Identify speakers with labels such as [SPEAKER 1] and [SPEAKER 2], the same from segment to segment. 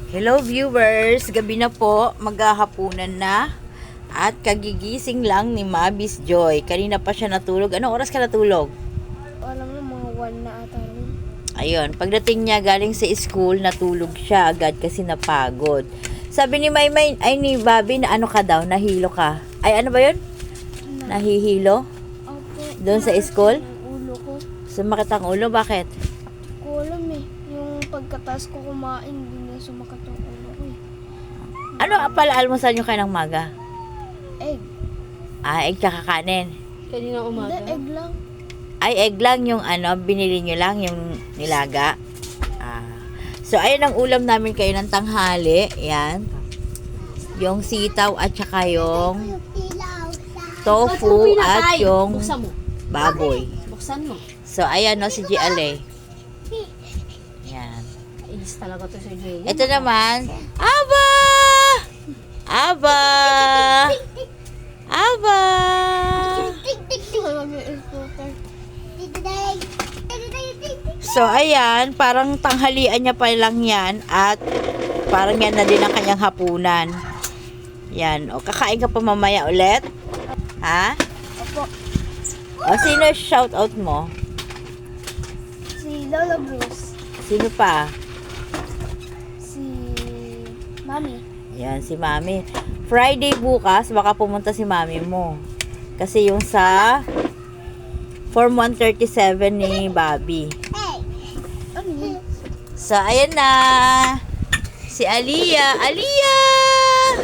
[SPEAKER 1] Hello viewers, gabi na po, maghahapunan na at kagigising lang ni Mabis Joy. Kanina pa siya natulog. Anong oras ka natulog?
[SPEAKER 2] Alam mo, mga 1 na ata rin.
[SPEAKER 1] Ayun, pagdating niya galing sa school, natulog siya agad kasi napagod. Sabi ni Maymay, ay ni Bobby na ano ka daw, nahilo ka. Ay ano ba yun? Nahihilo?
[SPEAKER 2] Opo.
[SPEAKER 1] Doon sa school?
[SPEAKER 2] Yung ulo ko.
[SPEAKER 1] Sumakit ang ulo, bakit?
[SPEAKER 2] Ko alam eh. Yung pagkataas ko kumain, hindi na sumakat yung ulo ko eh.
[SPEAKER 1] Ano pala almusal nyo kayo ng maga?
[SPEAKER 2] Egg.
[SPEAKER 1] Egg tsaka kanin.
[SPEAKER 3] Kanina umaga.
[SPEAKER 2] Hindi, egg lang.
[SPEAKER 1] Ay, egg lang yung ano, binili nyo lang yung nilaga. So, ayun ang ulam namin kayo ng tanghali. Yan. Yung sitaw at saka yung tofu at yung
[SPEAKER 3] Buksan mo.
[SPEAKER 1] baboy.
[SPEAKER 3] Buksan mo.
[SPEAKER 1] So, ayan no, si Giale. Yan.
[SPEAKER 3] Inis talaga to si Jay.
[SPEAKER 1] Ito naman, Aba! Aba! Aba!
[SPEAKER 2] Alam yung scooter.
[SPEAKER 1] So, ayan, parang tanghalian niya pa lang yan at parang yan na din ang kanyang hapunan. Yan. O, kakain ka pa mamaya ulit? Ha?
[SPEAKER 2] Opo.
[SPEAKER 1] O, sino shout out mo?
[SPEAKER 2] Si Lola Bruce.
[SPEAKER 1] Sino pa?
[SPEAKER 2] Si Mami.
[SPEAKER 1] Yan, si Mami. Friday bukas, baka pumunta si Mami mo. Kasi yung sa Form 137 ni Bobby.
[SPEAKER 2] Ano yun?
[SPEAKER 1] So, ayan na. Si Aliyah. Aliyah!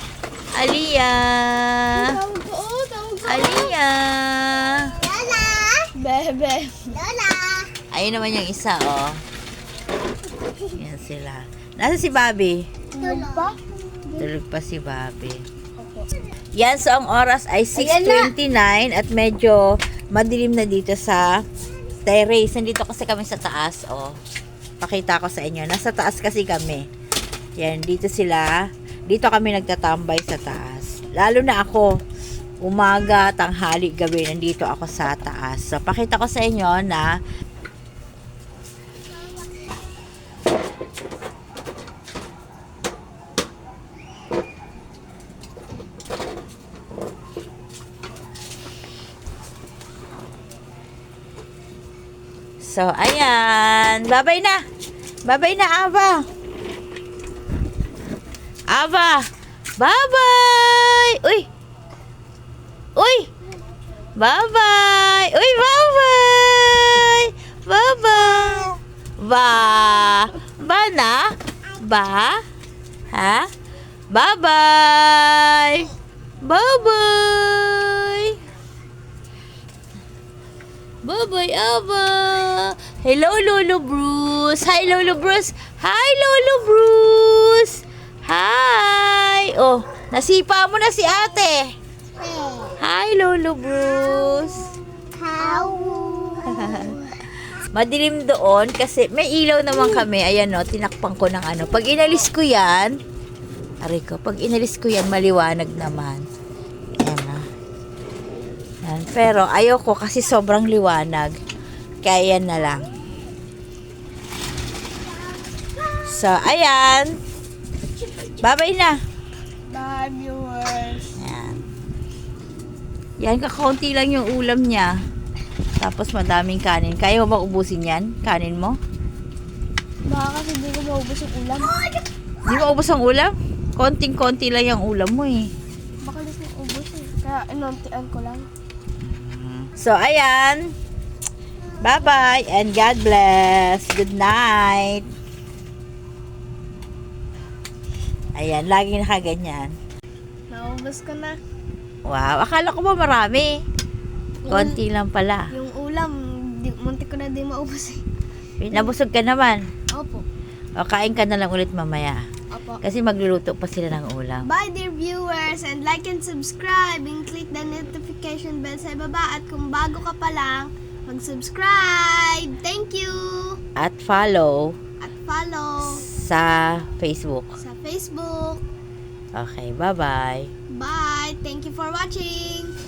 [SPEAKER 1] Aliyah!
[SPEAKER 2] Tawag ko, tawag ko.
[SPEAKER 1] Aliyah!
[SPEAKER 2] Bebe.
[SPEAKER 1] Ayun naman yung isa, oh. Yan sila. Nasa si Bobby?
[SPEAKER 2] Tulog pa?
[SPEAKER 1] Tulog pa si Bobby.
[SPEAKER 2] Opo.
[SPEAKER 1] Yan, so ang oras ay 6:29 at medyo madilim na dito sa terrace. Nandito kasi kami sa taas, oh. Pakita ko sa inyo. Nasa taas kasi kami. Yan, dito sila. Dito kami nagtatambay sa taas. Lalo na ako. Umaga, tanghali, gabi, nandito ako sa taas. So, pakita ko sa inyo na so, ayan. Babay na. Babay na, Ava. Ava. Bye-bye. Uy. Uy. Bye-bye. Uy, bye-bye. Bye-bye. Ba. Ba na? Ba? Ha? Bye-bye. Bye-bye. Bye-bye, Ava. Hello, Lolo Bruce. Hi, Lolo Bruce. Hi, Lolo Bruce. Hi. Oh, nasipa mo na si ate. Hi, Lolo Bruce. Madilim doon kasi may ilaw naman kami. Ayan no, tinakpan ko ng ano. Pag inalis ko yan, aray ko, pag inalis ko yan, maliwanag naman. Ayan na. Yan. Pero ayoko kasi sobrang liwanag. Kaya yan na lang. So, ayan. Bye-bye na.
[SPEAKER 2] Bye, viewers.
[SPEAKER 1] Yan. Yan, kakaunti lang yung ulam niya. Tapos madaming kanin. Kaya mo ba ubusin yan? Kanin mo?
[SPEAKER 2] Baka kasi hindi ko maubos yung ulam.
[SPEAKER 1] Di mo ubos ang ulam? Konting-konti lang yung ulam mo eh.
[SPEAKER 2] Baka lis na ubos eh. Kaya inuntian ko lang.
[SPEAKER 1] So, ayan. Bye-bye and God bless. Good night. Ayan, lagi nakaganyan.
[SPEAKER 2] Naubos ko na.
[SPEAKER 1] Wow, akala ko ba marami? Konti lang pala.
[SPEAKER 2] Yung ulam, munti ko na di maubos eh.
[SPEAKER 1] Nabusog ka naman.
[SPEAKER 2] Opo.
[SPEAKER 1] O, kain ka na lang ulit mamaya.
[SPEAKER 2] Opo.
[SPEAKER 1] Kasi magluluto pa sila ng ulam.
[SPEAKER 2] Bye dear viewers, and like and subscribe and click the notification bell sa baba, at kung bago ka pa lang, mag-subscribe. Thank you.
[SPEAKER 1] At follow
[SPEAKER 2] At follow
[SPEAKER 1] sa Facebook.
[SPEAKER 2] sa Facebook.
[SPEAKER 1] Okay, bye-bye.
[SPEAKER 2] Bye. Thank you for watching.